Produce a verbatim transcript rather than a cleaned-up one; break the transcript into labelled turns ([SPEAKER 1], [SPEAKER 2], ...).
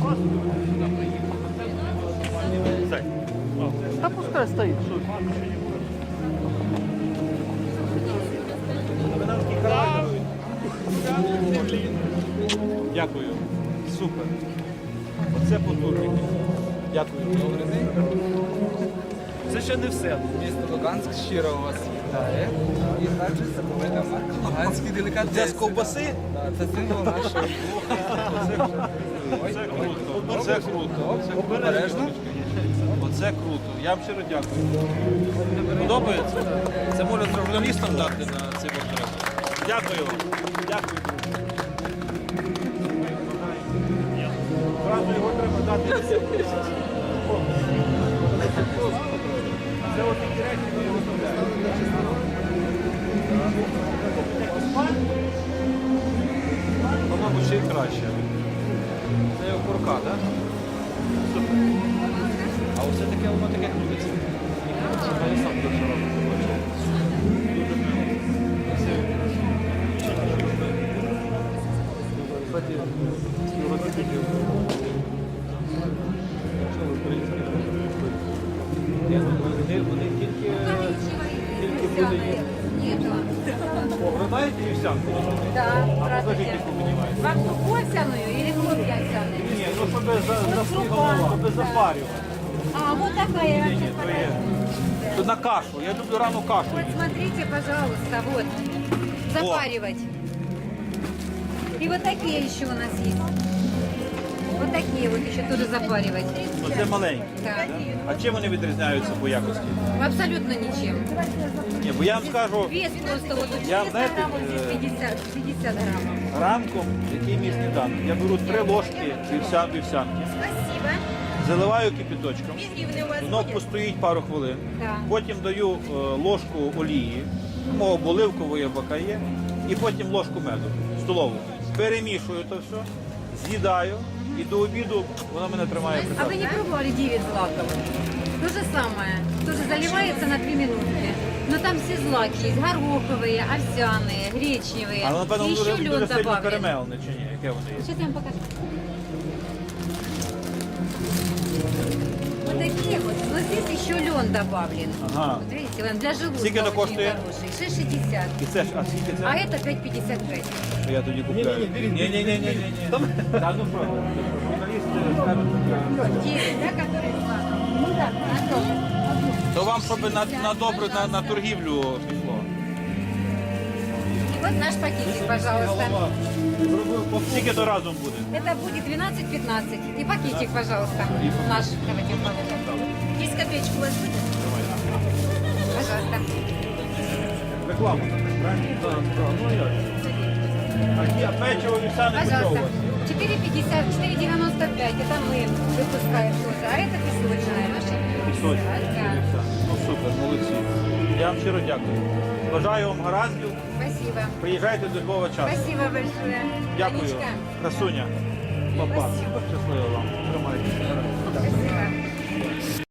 [SPEAKER 1] Та пускай стоїть. Що?
[SPEAKER 2] Дякую. Супер. Оце потужний. Дякую.
[SPEAKER 3] Добрий день.
[SPEAKER 2] Це ще не все.
[SPEAKER 3] Місто Луганськ щиро вас вітає. І також це велика марка Луганський делікатес.
[SPEAKER 2] Це з ковбаси?
[SPEAKER 3] Так, це символ нашого.
[SPEAKER 2] Це круто. Оце круто. Оце
[SPEAKER 3] Обережно.
[SPEAKER 2] Оце круто. Я вам щиро дякую. Подобається? Це можна журналістам дати на цей портрет. Дякую вам. Дякую. Зразу його треба дати. Це от такі речі ми його виставляємо. По-моєму, ще й краще. Це його курка, так? Супер. А оце таке, воно таке крутиться. Я сам дуже роблю. Дуже мило. Кстати, його тільки... Що ви, українські? Я думаю, вони, вони тільки... Тільки будуть... О, ви маєте вівсянку?
[SPEAKER 4] Да,
[SPEAKER 2] А
[SPEAKER 4] здравствуйте.
[SPEAKER 2] покажіть, яку мені маєте.
[SPEAKER 4] Вам крупу овсяную или хлопья овсяные?
[SPEAKER 2] Ні, ну щоб за, щоб запарювати.
[SPEAKER 4] А, вот такая я вам сейчас
[SPEAKER 2] То є.
[SPEAKER 4] покажу.
[SPEAKER 2] То на кашу. Я люблю рану кашу.
[SPEAKER 4] Вот смотрите, пожалуйста, вот. Запаривать. И вот такие еще у нас есть. Вот такие вот еще тоже запаривать.
[SPEAKER 2] Оце маленькі.
[SPEAKER 4] Да.
[SPEAKER 2] А чим вони відрізняються по якості?
[SPEAKER 4] Абсолютно ничем.
[SPEAKER 2] Ні, бо я вам скажу,
[SPEAKER 4] Вес просто вот у
[SPEAKER 2] Я,
[SPEAKER 4] четыреста
[SPEAKER 2] знаете,
[SPEAKER 4] грамм, вот здесь
[SPEAKER 2] э,
[SPEAKER 4] пятьдесят, пятьдесят граммов.
[SPEAKER 2] ранком, який мій сніданок, я беру три ложки вівся- вівсянки,
[SPEAKER 4] Спасибо.
[SPEAKER 2] заливаю кипяточком,
[SPEAKER 4] Гривны у вас
[SPEAKER 2] воно
[SPEAKER 4] будет?
[SPEAKER 2] постоїть пару хвилин,
[SPEAKER 4] Так.
[SPEAKER 2] потім даю е, ложку олії, мого оливкової або є, і потім ложку меду, столову. Перемішую то все, з'їдаю, і до обіду вона мене тримає при
[SPEAKER 4] А вы
[SPEAKER 2] себе.
[SPEAKER 4] не пробовали девять злаков? То же самое. Тоже заливается на три минутки. Но там все злаки есть. Гороховые, овсяные, гречневые.
[SPEAKER 2] А воно, напевно,
[SPEAKER 4] И
[SPEAKER 2] дуже,
[SPEAKER 4] еще
[SPEAKER 2] дуже
[SPEAKER 4] лед
[SPEAKER 2] сильно
[SPEAKER 4] добавлен.
[SPEAKER 2] перемелене чи ні? Яке воно є?
[SPEAKER 4] Сейчас я вам покажу. Вот такие вот. Но здесь еще лен добавлен.
[SPEAKER 2] Ага.
[SPEAKER 4] Вот видите, он для желудка
[SPEAKER 2] Сколько это
[SPEAKER 4] очень
[SPEAKER 2] коштует?
[SPEAKER 4] хороший. шесть шестьдесят.
[SPEAKER 2] І це ж, а скільки це?
[SPEAKER 4] А это пять пятьдесят пять.
[SPEAKER 2] Я тоді купляю. Ні-ні-ні. Та ну що, журналісти скажуть.
[SPEAKER 4] девять, да, который злаков? Ну да, на то.
[SPEAKER 2] То вам, щоб на, на добре, на, на торгівлю пішло.
[SPEAKER 4] И вот наш пакетик, пожалуйста.
[SPEAKER 2] Скільки то разом буде?
[SPEAKER 4] Это будет двенадцать пятнадцать. И пакетик, пожалуйста. Наш. Давайте положим. Есть копеечку у вас будет? Пожалуйста.
[SPEAKER 2] Реклама. Правильно? Так, так, ну а як? А ті- А печиво вівсяне по чому у
[SPEAKER 4] Пожалуйста.
[SPEAKER 2] вас?
[SPEAKER 4] четыре пятьдесят, четыре девяносто пять. Это мы выпускаем тоже. А это песочная наша.
[SPEAKER 2] Пісочне.
[SPEAKER 4] Да.
[SPEAKER 2] Ну супер, молодці. Я вам щиро дякую. Бажаю вам гараздів.
[SPEAKER 4] Спасибо.
[SPEAKER 2] Приїжджайте до Львова часу.
[SPEAKER 4] Спасибо большое.
[SPEAKER 2] Дякую.
[SPEAKER 4] Анечка,
[SPEAKER 2] Красуня. Папа.
[SPEAKER 4] Спасибо.
[SPEAKER 2] Щасливо вам. Тримайтеся.
[SPEAKER 4] спасибо.